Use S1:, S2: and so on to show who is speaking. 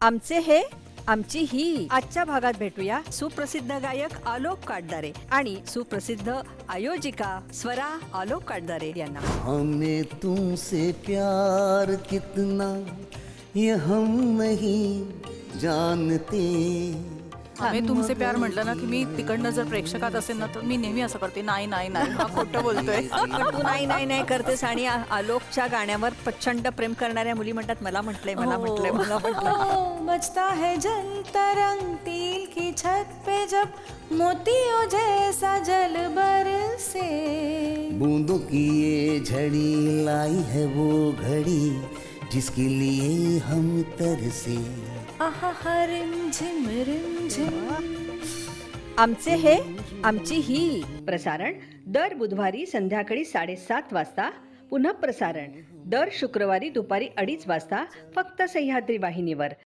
S1: आमचे हे आमची ही. आजच्या भागात भेटूया सुप्रसिद्ध गायक आलोक काटदारे आणि सुप्रसिद्ध आयोजिका स्वरा आलोक काटदारे यांना.
S2: हमें तुमसे प्यार कितना ये हम नहीं जानते.
S3: आम्ही तुमचे प्यार म्हटलं ना की मी तिकडनं जर प्रेक्षकात असेल ना तर मी नेहमी असं करते, नाही नाही नाही, हा खोटं बोलतोय.
S1: पण तू नाही नाही नाही करतेस आणि आलोकच्या गाण्यावर प्रचंड प्रेम करणाऱ्या मुली म्हणतात मला म्हटलंय मला म्हटलंय मला म्हटलंय.
S4: बजता है जंतरंग तिल की छत पे जब मोतियों जैसा जल बरसे.
S2: बूंदों की ये झड़ी लाई है वो घड़ी जिसके लिए हम तरसे.
S4: आहा रिमझिम रिमझिम.
S1: आमचे हे आमची ही. प्रसारण दर बुधवारी संध्याकाळी 7:30 वाजता. पुन्हा प्रसारण दर शुक्रवारी दुपारी 2:30 वाजता फक्त सह्याद्री वाहिनीवर.